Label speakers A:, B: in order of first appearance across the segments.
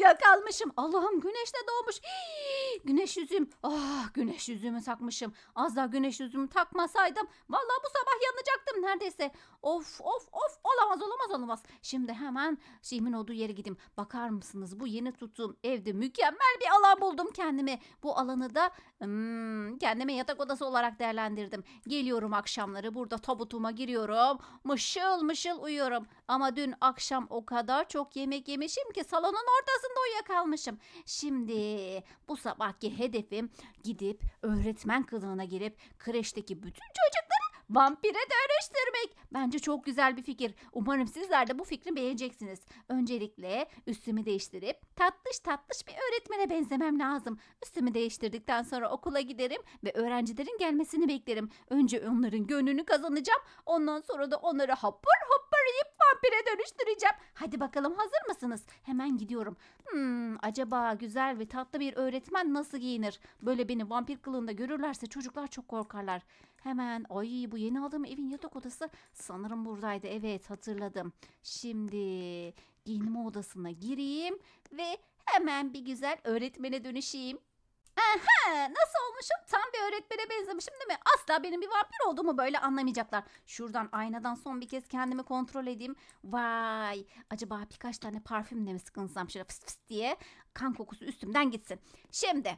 A: Uyuyakalmışım. Allah'ım güneş de doğmuş. Hii, güneş yüzüm. Ah, güneş yüzümü takmışım. Az daha güneş yüzümü takmasaydım vallahi bu sabah yanacaktım neredeyse. Of of of, olamaz olamaz olamaz. Şimdi hemen şeyimin olduğu yere gideyim. Bakar mısınız, bu yeni tuttuğum evde mükemmel bir alan buldum kendime. Bu alanı da kendime yatak odası olarak değerlendirdim. Geliyorum akşamları, burada tabutuma giriyorum. Mışıl mışıl uyuyorum. Ama dün akşam o kadar çok yemek yemişim ki salonun ortasında uyuyakalmışım. Şimdi bu sabahki hedefim gidip öğretmen kılığına girip kreşteki bütün çocukları vampire dönüştürmek. Bence çok güzel bir fikir. Umarım sizler de bu fikri beğeneceksiniz. Öncelikle üstümü değiştirip tatlış tatlış bir öğretmene benzemem lazım. Üstümü değiştirdikten sonra okula giderim ve öğrencilerin gelmesini beklerim. Önce onların gönlünü kazanacağım. Ondan sonra da onları hapır hapır yiyip vampire dönüştüreceğim. Hadi bakalım, hazır mısınız? Hemen gidiyorum. Acaba güzel ve tatlı bir öğretmen nasıl giyinir? Böyle beni vampir kılığında görürlerse çocuklar çok korkarlar. Hemen, ay, bu yeni aldığım evin yatak odası sanırım buradaydı. Evet, hatırladım. Şimdi giyinme odasına gireyim ve hemen bir güzel öğretmene dönüşeyim. Aha, nasıl olmuşum? Tam bir öğretmene benzemişim değil mi? Asla benim bir vampir olduğumu böyle anlamayacaklar. Şuradan aynadan son bir kez kendimi kontrol edeyim. Vay, acaba birkaç tane parfümle mi sıkınsam şöyle fıs fıs diye kan kokusu üstümden gitsin. Şimdi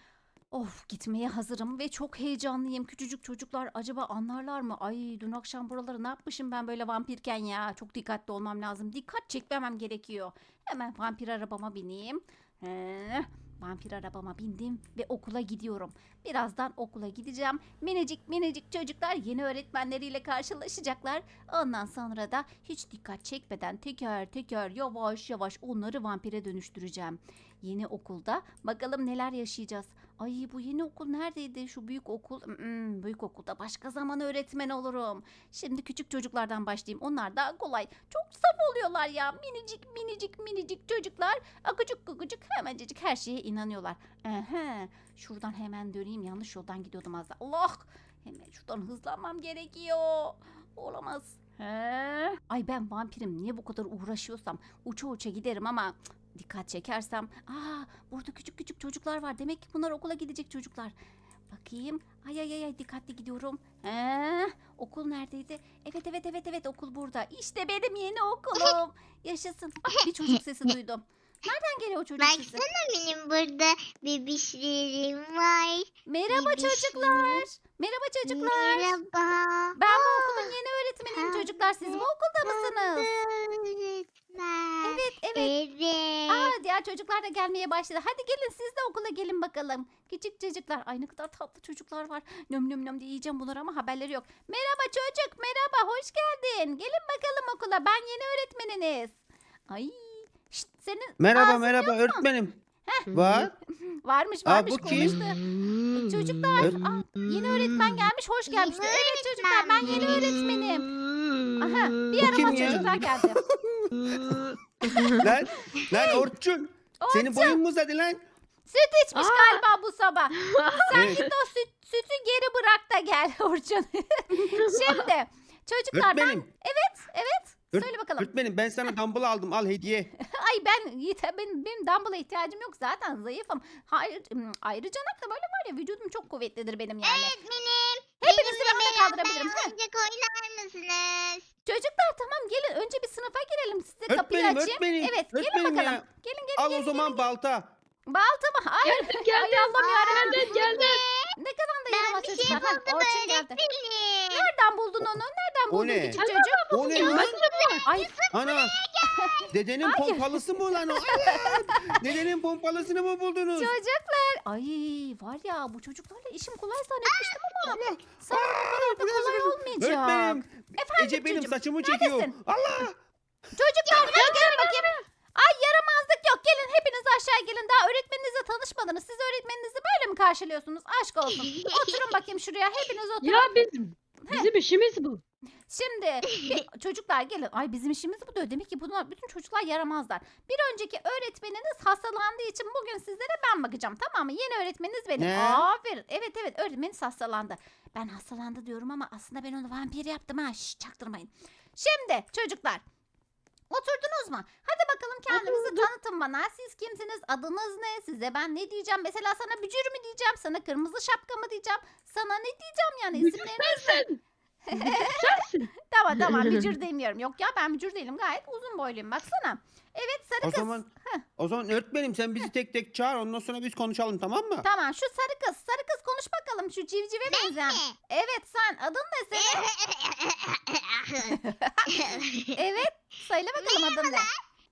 A: of, gitmeye hazırım ve çok heyecanlıyım. Küçücük çocuklar acaba anlarlar mı? Ay, dün akşam buraları ne yapmışım ben böyle vampirken ya? Çok dikkatli olmam lazım. Dikkat çekmemem gerekiyor. Hemen vampir arabama bineyim. Vampir arabama bindim ve okula gidiyorum. Birazdan okula gideceğim. Minicik minicik çocuklar yeni öğretmenleriyle karşılaşacaklar. Ondan sonra da hiç dikkat çekmeden teker teker yavaş yavaş onları vampire dönüştüreceğim. Yeni okulda bakalım neler yaşayacağız. Ay, bu yeni okul neredeydi? Şu büyük okul. Büyük okulda başka zaman öğretmen olurum. Şimdi küçük çocuklardan başlayayım. Onlar daha kolay. Çok saf oluyorlar ya. Minicik minicik minicik çocuklar. Akıcık kukucuk hemencecik her şeye inanıyorlar. Şuradan hemen döneyim. Yanlış yoldan gidiyordum az daha. Allah! Hemen şuradan hızlanmam gerekiyor. Olamaz. Ay, ben vampirim. Niye bu kadar uğraşıyorsam uça uça giderim ama dikkat çekersem. Burada küçük küçük çocuklar var. Demek ki bunlar okula gidecek çocuklar. Bakayım. Ay, dikkatli gidiyorum. Okul neredeydi? Evet, okul burada. İşte benim yeni okulum. Yaşasın. Bak, bir çocuk sesi duydum. Nereden geliyor o çocuk sesi?
B: Baksana, benim burada bebişlerim var.
A: Merhaba
B: Bebişlerim.
A: çocuklar. Merhaba çocuklar.
B: Merhaba.
A: Ben bu okulun yeni öğretmeniyim çocuklar. Siz bu okulda mısınız?
B: Öğretmen.
A: Evet.
B: Evet.
A: Diğer çocuklar da gelmeye başladı. Hadi gelin, siz de okula gelin bakalım. Küçük çocuklar. Ay, ne kadar tatlı çocuklar var. Nöm nöm nöm diye yiyeceğim bunları ama haberleri yok. Merhaba çocuk, merhaba, hoş geldin. Gelin bakalım okula. Ben yeni öğretmeniniz. Ay, şşt, senin
C: Merhaba
A: ağzın
C: merhaba
A: yok mu?
C: öğretmenim. Var.
A: Varmış
C: Aa, bu kim?
A: konuştu. Çocuklar, yeni öğretmen gelmiş, hoş gelmiş.
B: Yeni
A: Evet çocuklar, ben yeni öğretmenim. Aha, bir
C: Bu kim
A: yaramaz
C: ya?
A: çocuklar geldi.
C: Lan Orçun. Senin boyun mu uzadı lan?
A: Süt içmiş galiba bu sabah. Sen
C: Evet.
A: git o sütü geri bırak da gel Orçun. Şimdi çocuklar, ben
C: Öğretmenim.
A: evet söyle bakalım.
C: Öğretmenim, ben sana dumbbell aldım, al hediye.
A: Ay, benim dumbbell'a ihtiyacım yok, zaten zayıfım. Hayır, ayrıca da böyle var ya, vücudum çok kuvvetlidir benim yani.
B: Öğretmenim.
A: Hepinizi ben
B: benimle
A: de kaldırabilirim.
B: beraber oyuncak oynar mısınız?
A: Çocuklar, tamam, gelin önce bir sınıfa girelim, size kapıyı
C: Öğretmenim,
A: açayım.
C: öğretmenim.
A: Evet, gelin
C: Öğretmenim
A: bakalım.
C: ya.
A: Gelin
C: Al o zaman balta.
A: Balta mı? Hayır. Ay, Allah'ım yarabbim.
D: Geldim.
A: Ne kadar da
B: Ben
A: yaramaz
B: bir şey
A: çocuklar.
B: buldum
A: Orçun geldi.
B: öğretmenim.
A: Nereden buldun onu? Nereden
C: O
A: buldun
C: ne?
A: küçük çocuk?
C: O ne lan?
A: Ay,
C: Ana. Dedenin
A: Hayır.
C: pompalısı mı lan o? Evet. Dedenin pompalısını mı buldunuz?
A: çocuklar. Ay, var ya, bu çocuklarla işim kolay zannetmiştim ama sanırım o kadar da kolay olmayacak.
C: Öğretmenim.
A: Efendim
C: Ece benim
A: çocuğum,
C: saçımı çekiyor.
A: neredesin?
C: Allah.
A: Çocuklar, hadi gelin bakayım. Ay, yaramazlık yok. Gelin hepiniz aşağı gelin. Daha öğretmeninizle tanışmadınız. Siz öğretmeninizi böyle mi karşılıyorsunuz? Aşk olsun. Oturun bakayım şuraya. Hepiniz oturun.
D: Ya bizim işimiz bu.
A: Şimdi çocuklar gelin. Ay, bizim işimiz bu diyor. Demek ki bunlar, bütün çocuklar yaramazlar. Bir önceki öğretmeniniz hastalandığı için bugün sizlere ben bakacağım, tamam mı? Yeni öğretmeniniz benim.
C: Ne?
A: Aferin. Evet, öğretmeniniz hastalandı. Ben hastalandı diyorum ama aslında ben onu vampir yaptım ha. Şşş, çaktırmayın. Şimdi çocuklar, oturdunuz mu? Hadi bakalım kendinizi
D: Dur.
A: tanıtın bana. Siz kimsiniz? Adınız ne? Size ben ne diyeceğim? Mesela sana bücür mü diyeceğim? Sana kırmızı şapka mı diyeceğim? Sana ne diyeceğim yani?
D: Bücür
A: İsimleriniz ne?
D: sensin. Bücür sensin.
A: Tamam bücür demiyorum. Yok ya ben bücür değilim. Gayet uzun boyluyum baksana. Evet sarı
C: O
A: kız.
C: zaman öğretmenim sen bizi tek tek çağır ondan sonra biz konuşalım tamam mı?
A: Tamam şu sarı kız. Sarı kız konuş bakalım şu civcive benzeyen. Evet sen adın ne senin? Evet söyle bakalım adın ne?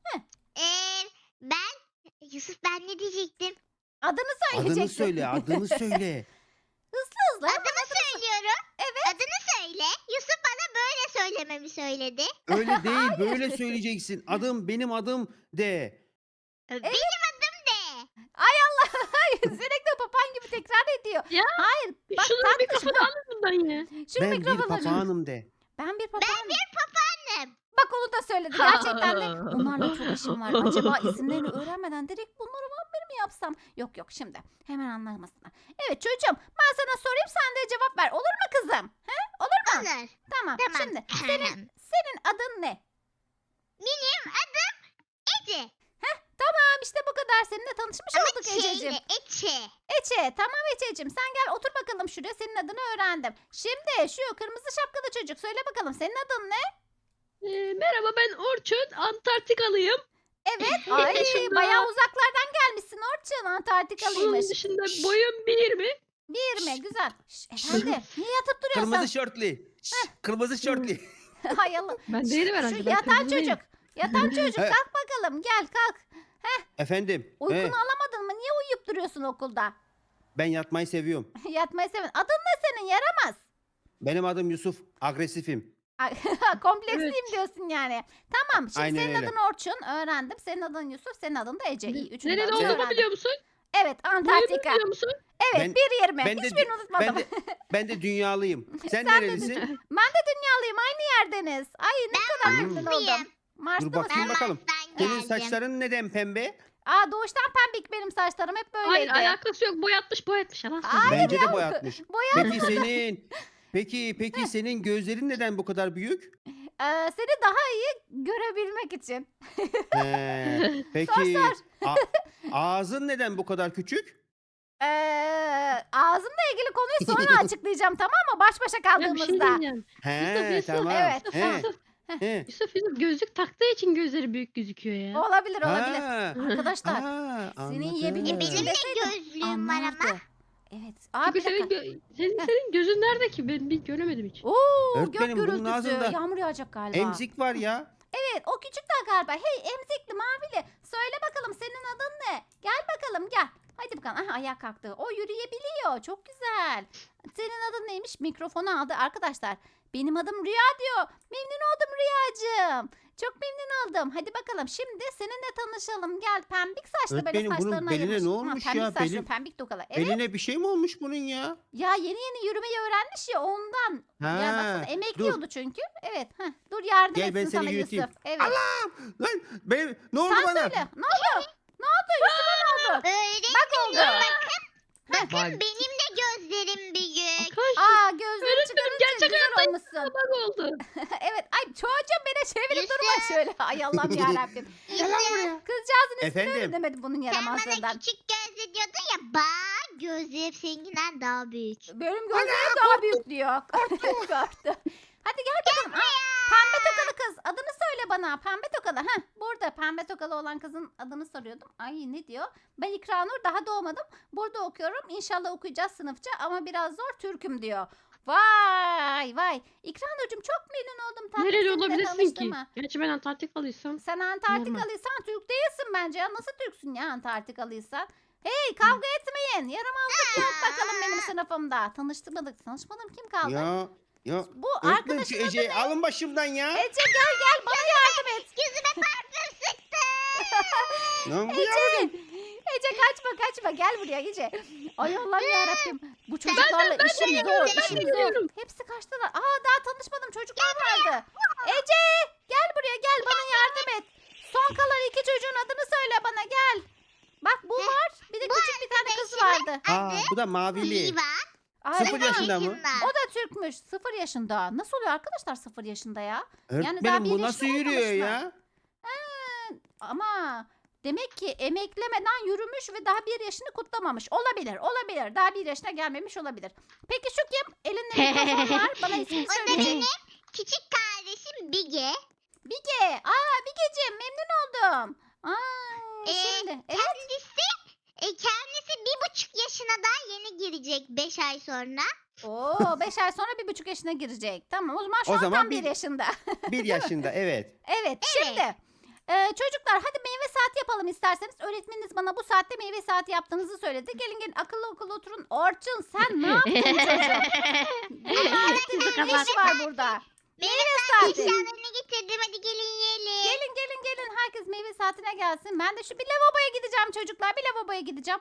B: Ben Yusuf ben ne diyecektim?
A: Adını söyleyeceksin.
C: Adını söyle adını söyle.
A: Hızlı.
B: Adını söylüyorum. Evet. Adını söyle. Yusuf bana böyle söylememi söyledi.
C: Öyle değil böyle söyleyeceksin. Benim adım de.
B: Benim adım de.
A: Ay Allah. Hayır sürekli papağan gibi tekrar ediyor.
D: Ya,
A: Hayır. Bak
D: Şunu bir
A: tatlış
D: kafadan alın bundan ya.
A: Şunu
C: Ben bir
A: mikrofona.
C: papağanım de.
A: Ben bir papağanım.
B: Papağanım.
A: Bak onu da söyledi gerçekten de. Bunlarla çok işim var. Acaba isimlerini öğrenmeden direkt bunları vampir mi yapsam? Yok şimdi. Hemen anlamasınlar. Evet çocuğum ben sana sorayım sen de cevap ver. Olur mu kızım? He? Olur mu?
B: Olur.
A: Tamam.
B: Tamam.
A: Şimdi senin adın ne?
B: Benim adım Ece.
A: Tamam işte bu kadar. Seninle tanışmış olduk Ececiğim.
B: Ece.
A: Ece tamam Ececiğim sen gel otur bakalım şuraya senin adını öğrendim. Şimdi şu kırmızı şapkalı çocuk söyle bakalım senin adın ne?
D: Merhaba ben Orçun. Antarktikalıyım.
A: Evet.
D: Onun
A: Ay
D: dışında-
A: bayağı uzaklardan gelmişsin Orçun
D: Onun
A: Antarktikalıymış.
D: dışında boyum 1 mi?
A: Bir mi? Güzel. Efendim niye yatıp duruyorsun?
C: Kırmızı şortli. Kırmızı şortli.
A: Hay Allah.
D: Ben değilim herhalde.
A: Şu
D: ben
A: yatan
D: kırmızı değilim.
A: çocuk. Yatan çocuk
C: He.
A: kalk bakalım gel kalk.
C: Efendim.
A: Uykunu alamadın mı? Niye uyuyup duruyorsun okulda?
C: Ben yatmayı seviyorum.
A: Yatmayı sevin. Adın ne senin? Yaramaz.
C: Benim adım Yusuf. Agresifim.
A: Kompleksliyim
D: Evet.
A: diyorsun yani. Tamam şimdi
C: Aynen
A: senin
C: öyle.
A: adın Orçun öğrendim. Senin adın Yusuf, senin adın da Ece. İyi, üçünü de
D: Nerede
A: öğrendim.
D: olduğumu biliyor musun?
A: Evet
D: Boyumu
A: Antarktika.
D: biliyor musun?
A: Evet
C: Ben-
A: 1.20.
C: ben de-
A: Hiçbirini unutmadım.
C: Ben de dünyalıyım. Sen
A: Sen de
C: nerelisin?
A: Ben de dünyalıyım aynı yerdeniz. Ay ne kadar
C: Mars'lıyım.
A: memnun oldum. Mars'ta
C: Dur bakayım
A: mısın?
C: bakalım.
B: Mars'tan
C: Senin
B: geldim.
C: saçların neden pembe?
A: Aa doğuştan pembik benim saçlarım hep
D: Hayır
A: böyleydi.
D: alakası yok. Boyatmış. Yalan
A: Hayır
D: söylüyor.
C: Bence de boyatmış.
A: Boya
C: Peki senin gözlerin neden bu kadar büyük?
A: seni daha iyi görebilmek için.
C: Peki
A: Sor.
C: ağzın neden bu kadar küçük?
A: Ağzımla ilgili konuyu sonra açıklayacağım tamam mı? Baş başa
D: Ya bir şey
A: kaldığımızda.
D: diyeceğim.
C: He
D: Yusuf.
C: tamam.
A: Evet.
C: He, he.
D: Yusuf gözlük taktığı için gözleri büyük gözüküyor ya.
A: Olabilir.
C: Ha,
A: Arkadaşlar
C: ha,
A: seni
C: anladım.
A: yiyebilir
B: Benim de
A: Deseydim,
B: gözlüğüm var ama.
A: anlardı. Evet. Aa
D: Çünkü
A: bir dakika.
D: senin gözün nerede ki? Ben bir göremedim hiç.
A: Oo gök
C: Öğretmenim, bunun
A: gürültüsü.
C: ağzında
A: Yağmur yağacak galiba.
C: Emzik var ya.
A: Evet o küçük de galiba. Hey emzikli mavili. Söyle bakalım senin adın ne? Gel bakalım gel. Hadi bakalım. Aha ayağa kalktı. O yürüyebiliyor. Çok güzel. Senin adın neymiş? Mikrofonu aldı. Arkadaşlar benim adım Rüya diyor. Memnun oldum Rüyacığım. Çok memnun oldum. Hadi bakalım şimdi seninle tanışalım. Gel pembik saçlı böyle
C: Öğretmenim, bunun
A: saçlarına
C: beline
A: ayırmış.
C: ne olmuş
A: pembik
C: ya?
A: saçlı,
C: Belim-
A: pembik tokalı. Evet.
C: Beline bir şey mi olmuş bunun ya?
A: Ya yeni yürümeyi öğrenmiş ya ondan. Ya baksana
C: Ha,
A: emekliyordu çünkü. Evet. Heh, dur yardım
C: Gel,
A: etsin
C: ben seni
A: sana
C: yürüteyim.
A: Yusuf. Evet.
C: Lan ne oldu
A: Sen
C: bana?
A: söyle. Ne oldu? Ne oldu Yusuf'a ne oldu?
B: Öğretmenim
A: Bak oldu.
B: bakın
D: Bak.
B: benim de gözlerim büyük.
A: Aa gözünü
D: Öğretmenim,
A: çıkarınca
D: gerçek
A: güzel
D: hayatta
A: olmuşsun.
D: Bak oldu.
A: Evet. Ay çocuğum beni çevirip
B: Yusuf.
A: durma şöyle. Ay Allah'ım yarabbim.
B: Yusuf
A: Kızcağızın ismini
C: Efendim?
A: öğrenemedi bunun
B: sen bana
A: yaramazlığından.
B: küçük gözlü diyordun ya bak gözlerim seninkinden daha büyük.
A: Benim gözlerim daha büyük diyor. Korktu. Hadi gel bakalım. Aa, pembe tokalı kız. Adını söyle bana. Pembe tokalı. Heh, burada pembe tokalı olan kızın adını soruyordum. Ay ne diyor? Ben İkranur daha doğmadım. Burada okuyorum. İnşallah okuyacağız sınıfça ama biraz zor Türk'üm diyor. Vay. İkranur'cum çok memnun oldum. Tatlım
D: Nereli
A: seninle
D: olabilirsin ki?
A: tanıştığıma.
D: Gerçi ben Antarktikalıysam.
A: Sen Antarktikalıysan Türk değilsin bence ya. Nasıl Türksün ya Antarktikalıysan? Hey kavga etmeyin. Yaramazlık yok bakalım benim sınıfımda. Tanışmadım kim kaldı?
C: Ya
A: Bu
C: öğretmenim şu
A: arkadaşın adı
C: Ece'yi
A: ne?
C: alın başımdan ya.
A: Ece gel bana yardım et.
B: Yüzüme parfüm sıktı.
C: Lan bu ya.
A: Ece kaçma gel buraya Ece. Ay Allah'ım yarabbim. Bu çocuklarla işim zor işim zor.
D: geliyorum.
A: Hepsi kaçtılar. Aa daha tanışmadım çocuklar vardı. Ece gel buraya gel bana yardım et. Son kalan iki çocuğun adını söyle bana gel. Bak bu var bir de küçük bir tane kız vardı.
C: Aa, bu da mavili.
B: Liva.
A: Aa,
C: 0
A: evet,
C: yaşında mı?
A: o da Türkmüş 0 yaşında. Nasıl oluyor arkadaşlar 0 yaşında ya? daha
C: Öğretmenim
A: bir
C: bu nasıl
A: ilişki
C: yürüyor
A: olmamış mı?
C: ya?
A: ama demek ki emeklemeden yürümüş ve daha 1 yaşını kutlamamış. Olabilir, olabilir. Daha 1 yaşına gelmemiş olabilir. Peki şu kim? Elinde mikrofon var. Bana ismini
B: O da
A: söyle.
B: benim küçük kardeşim Bige.
A: Bige. Bigeciğim memnun oldum. Şimdi. Evet.
B: Kendisi 1,5 yaşına daha yeni girecek 5 ay sonra.
A: 5 ay sonra 1,5 yaşına girecek. Tamam o zaman şu
C: O
A: an
C: zaman
A: tam 1 yaşında.
C: 1 yaşında evet.
A: Evet şimdi. Çocuklar hadi meyve saati yapalım isterseniz. Öğretmeniniz bana bu saatte meyve saati yaptığınızı söyledi. Gelin gelin akıllı oturun. Orçun sen ne yaptın çocuğum? Bunun ne işi var burada? Meyve saati.
B: Eşyalarını getirdim, hadi gelin yiyelim.
A: Gelin. Herkes meyve saatine gelsin. Ben de şu bir lavaboya gideceğim çocuklar. Bir lavaboya gideceğim.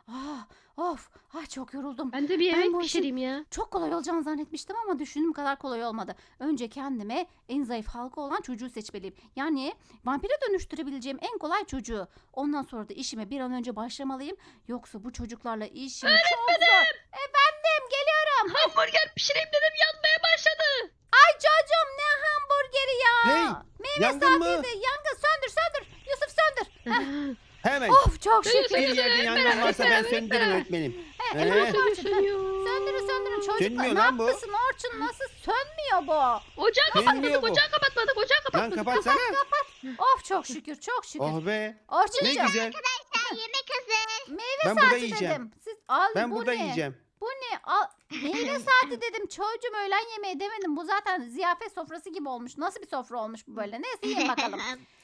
A: Çok yoruldum.
D: Ben de bir
A: Ben
D: yemek
A: bu işi-
D: pişireyim ya.
A: Çok kolay olacağını zannetmiştim ama düşündüğüm kadar kolay olmadı. Önce kendime en zayıf halka olan çocuğu seçmeliyim. Yani vampire dönüştürebileceğim en kolay çocuğu. Ondan sonra da işime bir an önce başlamalıyım. Yoksa bu çocuklarla işim çok zor. Efendim geliyorum.
D: Hamburger pişireyim dedim yanmaya başladı.
A: Ay çocuğum ne hamburgeri ya.
C: Hey,
A: Meyve
C: yangın mı?
A: saatiydi. Yangın söndür. Yusuf söndür.
C: Hemen.
A: Of çok şükür.
C: Bir yerde yangın varsa ben söndürürüm öğretmenim.
A: Evet, Orçun.
D: Sönüyor.
A: Söndürün çocuklar.
C: Sönmüyor
A: Ne
C: lan bu.
A: yapmışsın Orçun? Nasıl sönmüyor bu?
D: Ocağı
C: Sönmüyor
D: kapatmadık,
C: bu.
D: ocağı kapatmadık, ocağı
C: Lan
D: kapatmadık.
C: kapatsana.
A: Of çok şükür.
C: Oh be. Ne
A: Orçuncuğum
C: güzel.
B: Sen yemek hazır.
A: meyve
C: Ben burada
A: saati
C: yiyeceğim.
A: dedim. Siz al
C: Ben
A: bu
C: burada
A: ne?
C: yiyeceğim.
A: Bu ne? Al, meyve saati dedim. Çocuğum öğlen yemeği demedim. Bu zaten ziyafet sofrası gibi olmuş. Nasıl bir sofra olmuş bu böyle? Neyse yiyin bakalım.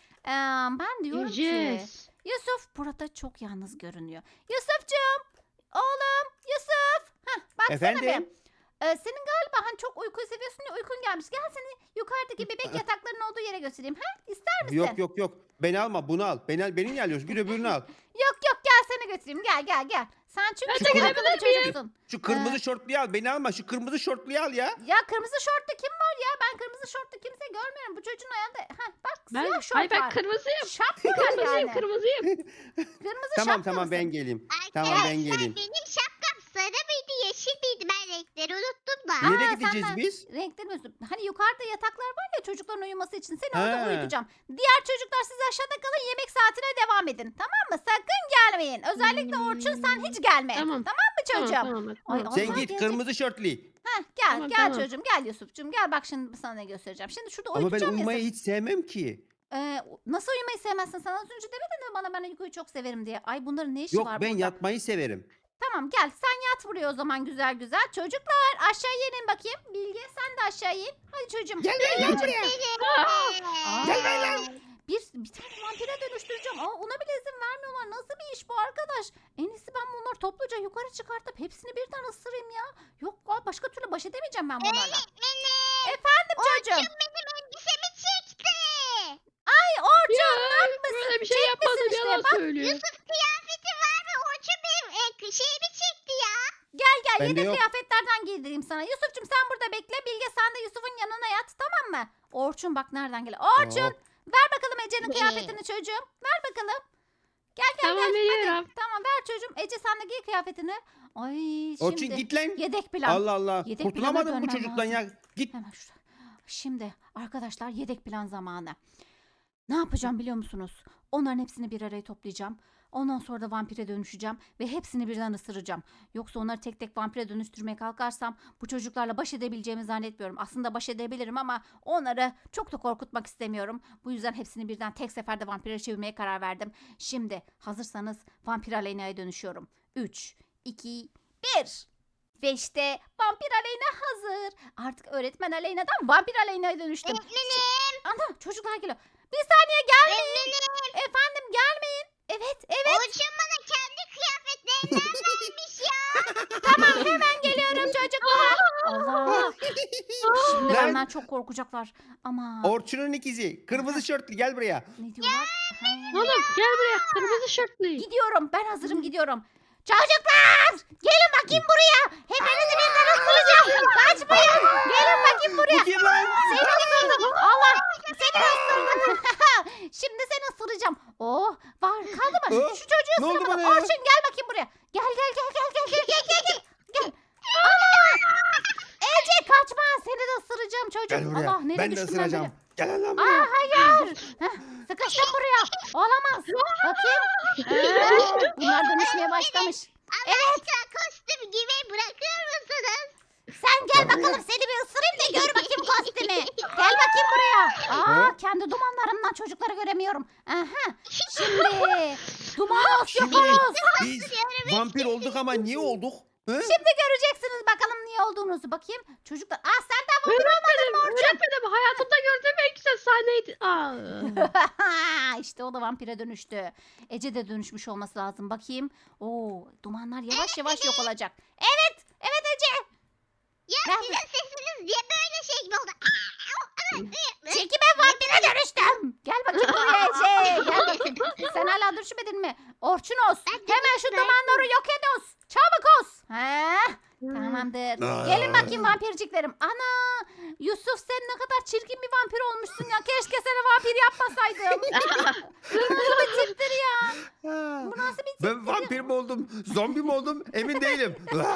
A: Ben diyorum ki
D: Yiyeceğiz.
A: Yusuf burada çok yalnız görünüyor. Yusufcuğum. Oğlum Yusuf. Baksana
C: Efendim?
A: bir. Senin galiba hani çok uyku seviyorsun ya uykun gelmiş. Gel seni yukarıdaki bebek yataklarının olduğu yere götüreyim. İster misin?
C: Yok. Beni alma bunu al. Beni niye alıyorsun? Bir öbürünü al.
A: Yok gel seni götüreyim. Gel. Sen çünkü
D: Ben de
A: çok
D: gelebilir
A: akıllı bir
D: miyim?
A: çocuksun.
C: Şu kırmızı şortluyu al. Beni alma. Şu kırmızı şortluyu al ya.
A: Ya kırmızı şortlu kim var ya? Ben kırmızı şortlu kimse görmüyorum. Bu çocuğun ayağında bak siyah şort
D: Hayır ben
A: var.
D: kırmızıyım.
A: Şapka var
D: Kırmızıyım,
A: yani.
D: kırmızıyım.
A: Kırmızı
C: Tamam
A: şapka
C: ben
A: mısın?
C: geleyim.
B: Arkadaşlar
C: Tamam ben geleyim.
B: benim şapkam sarı mıydı yeşil miydi, ben renkleri unuttum da.
A: Aa,
C: Nereye gideceğiz
A: sen de-
C: biz?
A: Renkleri mi? Hani yukarıda yataklar var ya çocukların uyuması için. Seni orada
C: Ha.
A: uyutacağım. Diğer çocuklar siz aşağıda kalın yemek saatine devam edin. Tamam mı? Sakın gelmeyin. Özellikle Orçun sen hiç gelme.
D: Tamam.
A: mı çocuğum?
D: Tamam.
A: Ay,
D: tamam.
A: Allah
C: Sen git
A: gelecek.
C: kırmızı şortlu.
A: Gel
D: Tamam,
A: gel
D: tamam.
A: çocuğum gel Yusuf'cum gel bak şimdi sana ne göstereceğim. Şimdi şurada
C: Ama ben
A: uyutacağım ya
C: uyumayı
A: seni.
C: hiç sevmem ki.
A: Nasıl uyumayı sevmezsin? Sana az önce demedin mi bana ben uykuyu çok severim diye. Ay bunların ne işi
C: Yok
A: var
C: ben
A: burada?
C: yatmayı severim.
A: Tamam gel sen yat buraya o zaman güzel güzel. Çocuklar aşağıya inin bakayım. Bilge sen de aşağı in. Hadi çocuğum.
C: Gel lan buraya.
A: Aa,
C: Gel lan.
A: bir tane vampire dönüştüreceğim. Ona bile izin vermiyorlar. Nasıl bir iş bu arkadaş? En iyisi ben bunları topluca yukarı çıkartıp hepsini birden ısırayım ya. Yok başka türlü baş edemeyeceğim ben bunlarla. Efendim çocuğum.
B: Orçun benim elbisemi çekti.
A: Ay Orçun
D: Ya,
A: ne yapmışsın?
D: böyle bir şey
A: Çekmesin
D: yapmadım,
A: işte.
D: yalan
A: Bak
D: söylüyor.
B: Yusuf kıyafeti var ve Orçun benim şeyimi çekti ya.
A: gel
C: Bende
A: yedek
C: yok.
A: kıyafetlerden giydireyim sana. Yusuf'cum sen burada bekle. Bilge sen de Yusuf'un yanına yat tamam mı? Orçun bak nereden geliyor. Orçun
C: Hop.
A: ver bakalım Ece'nin kıyafetini çocuğum. Ver bakalım. Gel
D: Tamam
A: hadi.
D: veriyorum.
A: Tamam ver çocuğum. Ece sen de giy kıyafetini. Ay şimdi.
C: Orçun git lan.
A: Yedek plan.
C: Allah Allah.
A: Yedek
C: Kurtulamadım
A: plana
C: bu
A: dönmem
C: çocuktan
A: lazım.
C: ya. Git.
A: Hemen şurada. Şimdi arkadaşlar yedek plan zamanı. Ne yapacağım biliyor musunuz? Onların hepsini bir araya toplayacağım. Ondan sonra da vampire dönüşeceğim ve hepsini birden ısıracağım. Yoksa onları tek tek vampire dönüştürmeye kalkarsam bu çocuklarla baş edebileceğimi zannetmiyorum. Aslında baş edebilirim ama onları çok da korkutmak istemiyorum. Bu yüzden hepsini birden tek seferde vampire çevirmeye karar verdim. Şimdi hazırsanız vampir Aleyna'ya dönüşüyorum. 3, 2, 1. Ve işte vampir Aleyna hazır. Artık öğretmen Aleyna'dan vampir Aleyna'ya dönüştüm.
B: Öğretmenim.
A: Ana çocuklar geliyor. Bir saniye gelmeyin.
B: Öğretmenim.
A: Efendim gelmeyin. Evet.
B: Orçun bana kendi kıyafetlerinden vermiş ya.
A: Tamam hemen geliyorum çocuklar. Allah. Şimdi
C: Lan.
A: benden çok korkacaklar. Ama
C: Orçun'un ikizi. Kırmızı şortlu gel buraya.
A: ne diyorlar? Ha.
D: Oğlum gel buraya kırmızı şortlu.
A: Gidiyorum. Ben hazırım gidiyorum. Çocuklar! Gelin bakayım buraya. Hepinizi birden ısıracağım. Kaçmayın. Gelin bakayım buraya.
C: Bu kim lan?
A: Seni ısırdım. Allah. Seni ısırdım. Şimdi seni ısıracağım. Oh var kaldı mı?
C: Oh,
A: Şu çocuğu
C: ne oldu
A: ısıramadım.
C: bana ya?
A: Orçun gel bakayım buraya. Gel. Gel. Ana! Ece kaçma. Seni de ısıracağım çocuğum.
C: Gel buraya.
A: Allah nereye
C: Ben de
A: düştüm
C: ısıracağım.
A: böyle?
C: Gel lan buraya.
A: Aa hayır. Heh, sıkı. Kaçtım buraya. Olamaz. Bakayım. Bunlar dönüşmeye başlamış.
B: Allah aşkına kostüm gibi bırakır mısınız?
A: Sen gel bakalım seni bir ısırayım da gör bakayım kostümü. Gel bakayım buraya. Kendi dumanlarımdan çocukları göremiyorum. Aha. Şimdi dumanos
C: Şimdi
A: yaparız.
C: biz vampir olduk ama niye olduk? He?
A: Şimdi göreceksiniz bakalım niye olduğunuzu. Bakayım. Çocuklar. Sen de vampir
D: Öğretmenim hayatımda gördüğüm en güzel sahneydi.
A: İşte o da vampire dönüştü. Ece de dönüşmüş olması lazım. Bakayım. Oo, dumanlar yavaş yavaş yok olacak. Evet. Evet Ece.
B: Ya
A: Ben-
B: sizin sesiniz niye böyle şey mi oldu?
A: Çünkü ben vampire dönüştüm. Gel bakayım buraya Ece. Gel bakayım. Sen hala dönüşmedin mi? Orçunos. Hemen şu dumanları yok ediyoruz. Çabuk os. Tamamdır. Gelin bakayım vampirciklerim. Ana! Yusuf sen ne kadar çirkin bir vampir olmuşsun ya. Keşke seni vampir yapmasaydım. Bu nasıl bir tiptir ya? Bu nasıl bir tiptir?
C: Ben vampir mi oldum? Zombi mi oldum? Emin değilim.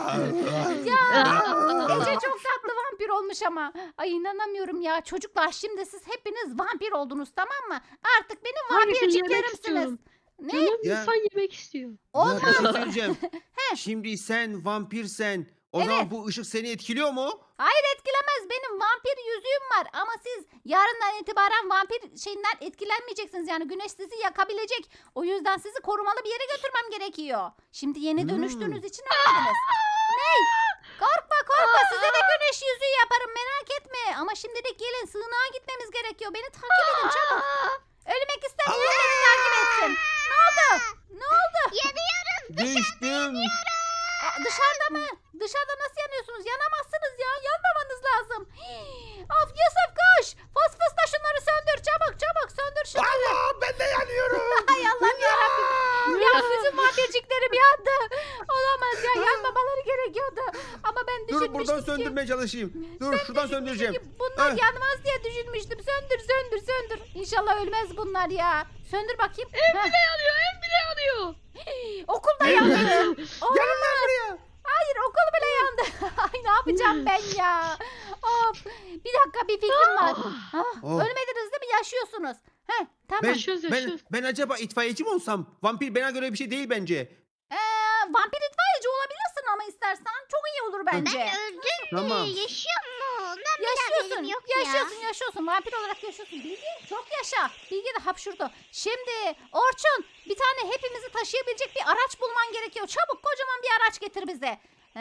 A: Ece çok tatlı vampir olmuş ama. Ay inanamıyorum ya. Çocuklar şimdi siz hepiniz vampir oldunuz tamam mı? Artık benim
D: Hangisini yemek
A: vampirciklerimsiniz.
D: istiyorum?
A: Ne?
D: Canım
C: Ya.
D: insan yemek istiyor.
C: Ya bir şey söyleyeceğim. Şimdi sen vampirsen o
A: Evet.
C: zaman bu ışık seni etkiliyor mu?
A: Hayır etkilemez. Benim vampir yüzüğüm var. Ama siz yarından itibaren vampir şeyinden etkilenmeyeceksiniz. Yani güneş sizi yakabilecek. O yüzden sizi korumalı bir yere götürmem gerekiyor. Şimdi yeni dönüştüğünüz için ölmediniz. Ney? Korkma korkma. Size de güneş yüzüğü yaparım. Merak etme. Ama şimdilik gelin. Sığınağa gitmemiz gerekiyor. Beni takip edin çabuk. Ölmek istemeyen beni takip etsin. Ne oldu? Ne oldu?
B: Yanıyoruz.
C: Düştüm.
A: Dışarıda mı? Dışarıda nasıl yanıyorsunuz? Yanamazsınız ya. Yanmamanız lazım. Of Yusuf koş. Fıs fıs da şunları söndür. Çabuk çabuk söndür şunları.
C: Allah ben de yanıyorum.
A: Ay Allah'ım yarabbim. Ya bütün vampirciklerim yandı. Olamaz ya. Yanmamaları gerekiyordu. Ama ben
C: Dur
A: düşünmüştüm
C: buradan
A: ki.
C: söndürmeye çalışayım. Dur şuradan söndüreceğim.
A: Çünkü bunlar
C: Heh.
A: yanmaz diye düşünmüştüm. Söndür söndür söndür. İnşallah ölmez bunlar ya. Söndür bakayım.
D: Ev bile yanıyor, ev bile yanıyor.
A: Okul da
C: Evet.
A: yandı.
C: Gelin lan buraya.
A: Hayır okul bile yandı. Ay ne yapacağım ben ya? Of. Bir dakika bir fikrim var.
C: Oh.
A: Ölmediniz değil mi? Yaşıyorsunuz. Heh, tamam.
C: Ben acaba itfaiyeci mi olsam? Vampir bana göre bir şey değil bence.
A: Vampir itfaiyeci olabilirsin ama istersen. Çok iyi olur bence.
B: Ben öldüm
C: Tamam.
B: mü? Yaşıyor mu? Ondan bir
A: Yaşıyorsun.
B: haberim yok
A: Yaşıyorsun yaşıyorsun. Vampir olarak yaşıyorsun. Bilgi çok yaşa. Bilgi de hapşurdu. Şimdi Orçun bir tane hepimizi taşıyabilecek bir araç bulman gerekiyor. Çabuk kocaman bir araç getir bize.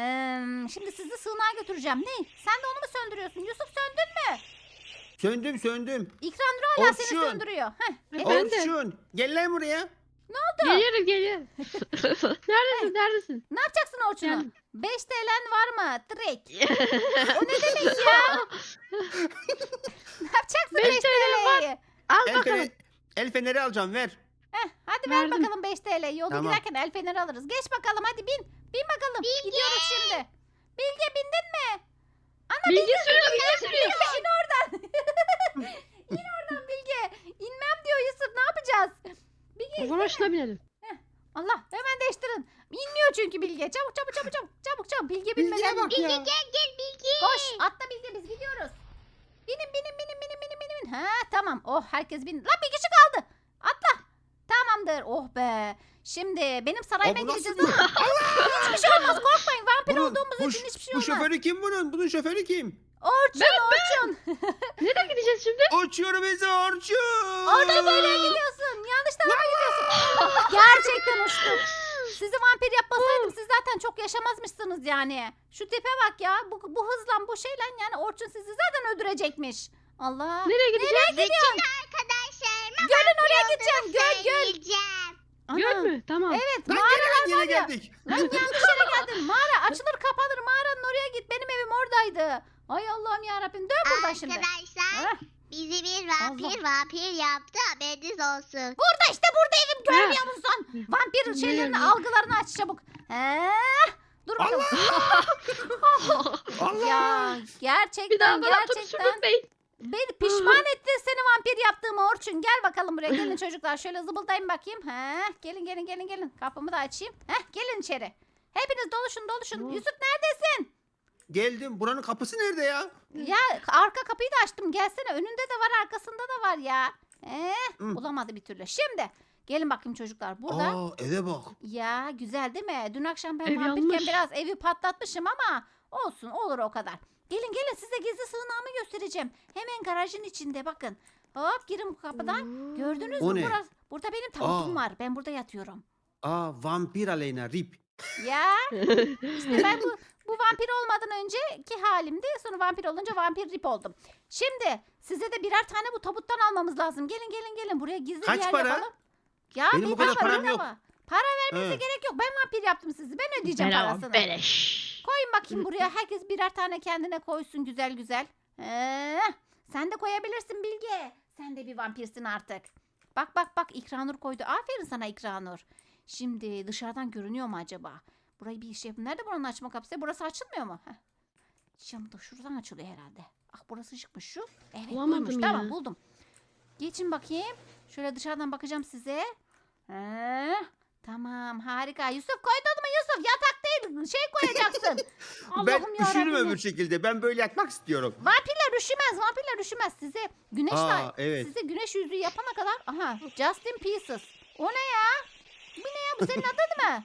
A: Şimdi sizi sığınağa götüreceğim. Ne? Sen de onu mu söndürüyorsun? Yusuf söndün mü?
C: Söndüm.
A: İkram Nur hala seni
C: Orçun.
A: söndürüyor. Heh.
D: Efendim?
C: Orçun gel lan buraya.
D: Geliyorum geliyorum. Neredesin?
A: Ne yapacaksın Orçun'a?
D: Geldim.
A: 5 TL'n var mı? Direkt. O ne demek ya? Ne yapacaksın 5
D: 5 TL var.
A: TL'yi?
D: Al
C: El,
D: bakalım.
C: el feneri alacağım ver.
A: Hadi ver
D: Verdim.
A: bakalım 5 TL. Yolda
C: Tamam.
A: giderken el feneri alırız. Geç bakalım hadi bin. Bin bakalım. Gidiyoruz şimdi. Bilge bindin mi?
D: Bilgi sürüyor, bilgi sürüyor.
A: Bilge in oradan. İn oradan Bilge. İnmem diyor Yusuf. Ne yapacağız? Bilge
D: Varoşuna binelim.
A: Allah hemen değiştirin. İnmiyor çünkü Bilge. Çabuk çabuk çabuk çabuk. Çabuk çabuk. Bilge
C: Bilgiye
A: binmeden.
C: bak ya.
B: Gel Bilgi.
A: Koş atla Bilge biz gidiyoruz. Binin. Ha tamam. Oh herkes bindi. Lan bir kişi kaldı. Atla. Tamamdır. Oh be. Şimdi benim sarayıma
C: Aa, bu nasıl
A: gideceğiz ama hiçbir şey olmaz korkmayın. Vampir
C: Bunun,
A: olduğumuz
C: bu,
A: için hiçbir şey
C: bu
A: olmaz.
C: şoförü kim bunun? Bunun şoförü kim?
A: Orçun.
D: Nereye gideceğiz şimdi?
C: Uçuyor bizi Orçun.
A: Orada böyle gidiyorsun. Yanlış tarafa gidiyorsun. Gerçekten uçtum. Sizi vampir yapmasaydım siz zaten çok yaşamazmışsınız yani. Şu tipe bak ya. Bu hızla bu şeyle yani Orçun sizi zaten öldürecekmiş. Allah.
D: Nereye gideceğiz?
B: Bütün arkadaşlarıma
A: Gölün oraya gideceğim. Göl.
B: söyleyeceğim.
D: Göl mü? Tamam.
A: Evet
C: Lan
A: mağaralar
C: yine
A: var ya.
C: geldik.
A: Lan yanlış yere geldin. Mağara açılır kapanır. Mağaranın oraya git. Benim evim oradaydı. Ay Allah'ım yarabbim. Dön buradan şimdi.
B: Arkadaşlar
A: Heh.
B: bizi bir vampir yaptı haberiniz olsun.
A: Burada işte burada evim görmüyor musun? Vampir şeylerini
D: Biliyorum.
A: algılarını aç çabuk. Dur bakalım.
C: Allah.
A: Ya
D: Bir daha
A: gerçekten
D: bana tur
A: gerçekten
D: sürmeyin.
A: beni pişman ettin seni vampir yaptığıma Orçun. Gel bakalım buraya gelin çocuklar. Şöyle zıbıldayın bakayım. Gelin. Kapımı da açayım. Gelin içeri. Hepiniz doluşun. Yusuf neredesin?
C: Geldim. Buranın kapısı nerede ya?
A: Ya arka kapıyı da açtım. Gelsene önünde de var arkasında da var ya.
C: Hı.
A: Bulamadı bir türlü. Şimdi gelin bakayım çocuklar. Burada
C: Eve bak.
A: ya güzel değil mi? Dün akşam ben
D: Ev
A: vampirken
D: yanmış.
A: biraz evi patlatmışım ama olsun olur o kadar. Gelin gelin size gizli sığınağımı göstereceğim. Hemen garajın içinde bakın. Hop girin bu kapıdan. Gördünüz
C: O
A: mü?
C: ne?
A: Burada benim tabutum
C: Aa.
A: var. Ben burada yatıyorum.
C: Vampir Aleyna rip.
A: Ya işte ben bu vampir olmadan önceki halimdi. Sonra vampir olunca vampir rip oldum. Şimdi size de birer tane bu tabuttan almamız lazım. Gelin gelin gelin buraya gizli
C: Kaç
A: bir yer
C: para?
A: yapalım. Ya
C: Benim
A: bir
C: o kadar
A: para
C: param yok.
A: ama. Para vermenize
C: He.
A: gerek yok. Ben vampir yaptım sizi. Ben ödeyeceğim parasını.
D: Beleş.
A: Koyun bakayım buraya. Herkes birer tane kendine koysun güzel güzel. Sen de koyabilirsin Bilge. Sen de bir vampirsin artık. Bak bak bak İkranur koydu. Aferin sana İkranur. Şimdi dışarıdan görünüyor mu acaba? Burayı bir şey yapın. Nerede buranın açma kapısı? Burası açılmıyor mu? Heh. Şimdi şuradan açılıyor herhalde. Ah burası çıkmış şu. Evet
D: Bulamadım
A: buymuş.
D: ya.
A: Tamam buldum. Geçin bakayım. Şöyle dışarıdan bakacağım size. Tamam harika. Yusuf koydun mu Yusuf? Yatak değil şey koyacaksın.
C: Ben
A: Allah'ım
C: üşürüm
A: yarabbim.
C: öbür şekilde. Ben böyle yatmak istiyorum.
A: Vampirler üşümez. Vampirler üşümez. Size güneş
C: Evet.
A: size güneş yüzüğü yapana kadar. Aha Just in Pieces. O ne ya? Bu ne ya? Bu senin adın mı?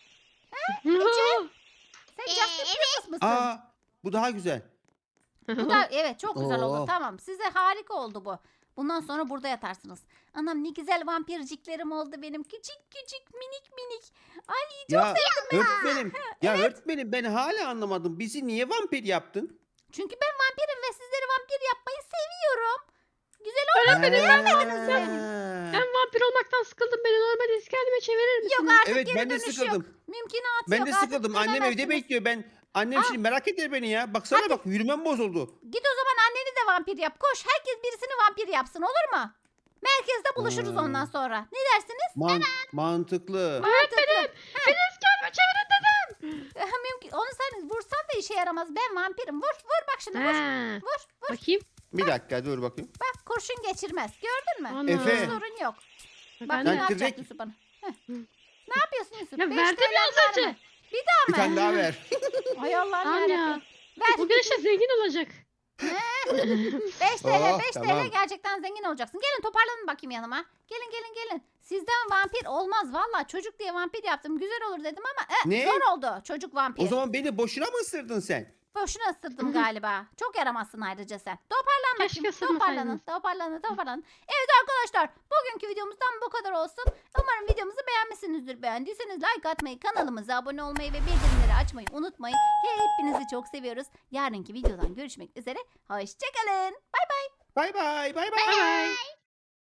A: Sen Just in
B: Evet.
A: Pieces mısın?
C: Bu daha güzel.
A: Bu da evet çok güzel oldu.
C: Oo.
A: Tamam. Size harika oldu bu. Bundan sonra burada yatarsınız. Anam ne güzel vampirciklerim oldu benim. Küçük küçük minik minik. Ay
C: Ya öğretmenim. Ya öğretmenim ben hala anlamadım. Bizi niye vampir yaptın?
A: çünkü ben vampirim ve sizleri vampir yapmayı seviyorum. Güzel
D: Ben vampir olmaktan sıkıldım. Beni normal eski halime çevirir misin?
A: yok artık
C: Evet
A: geri
C: ben de
A: dönüş
C: sıkıldım.
A: yok. Mümkünatı
C: Ben
A: yok.
C: de
A: Artık
C: sıkıldım. Annem evde
A: dönemezsiniz.
C: bekliyor. Annem şimdi merak eder beni ya. Baksana bak yürümem bozuldu.
A: Git o zaman anneni de vampir yap. Koş herkes birisini vampir yapsın olur mu? Merkezde buluşuruz ondan sonra. Ne dersiniz?
C: Mantıklı.
A: Mantıklı.
D: Beni eski halime çevirin dedim.
A: Mümkün. Onu sen vursan da işe yaramaz. Ben vampirim. Vur vur bak şimdi vur.
D: Ha.
A: Vur.
D: Bakayım.
C: Bir dakika dur bakayım.
A: Bak kurşun geçirmez. Gördün mü?
D: Ana.
C: Efe.
A: Hiç sorun yok. Bak
D: Ben
A: ne
D: de-
A: yapacak
C: direkt-
A: Yusuf bana? Heh. Ne yapıyorsun Yusuf?
D: Ya
A: Beş
D: verdim
A: TL
D: ya az
A: var
D: önce.
A: mı? Bir daha
C: Bir
A: mı?
C: tane daha ver.
A: Ay Allah'ım
D: Anya.
A: yarabbim. Ver.
D: Bu güneşe zengin olacak.
A: 5 TL,
C: Oh,
A: 5 TL
C: tamam.
A: gerçekten zengin olacaksın. Gelin toparlanın bakayım yanıma. Gelin gelin gelin. Sizden vampir olmaz valla. Çocuk diye vampir yaptım. Güzel olur dedim ama
C: Ne?
A: zor oldu. Çocuk vampir.
C: O zaman beni boşuna mı ısırdın sen?
A: Boşuna ısırdım galiba. Çok yaramazsın ayrıca sen. Toparlan
D: Keşke
A: bakayım.
D: ısırmasaydınız.
A: Toparlanın. Evet arkadaşlar bugünkü videomuzdan bu kadar olsun. Umarım videomuzu beğenmişsinizdir. Beğendiyseniz like atmayı, kanalımıza abone olmayı ve bildirimleri açmayı unutmayın. Hepinizi çok seviyoruz. Yarınki videodan görüşmek üzere. Hoşçakalın.
C: Bay bay. Bay bay.
B: Bye bye.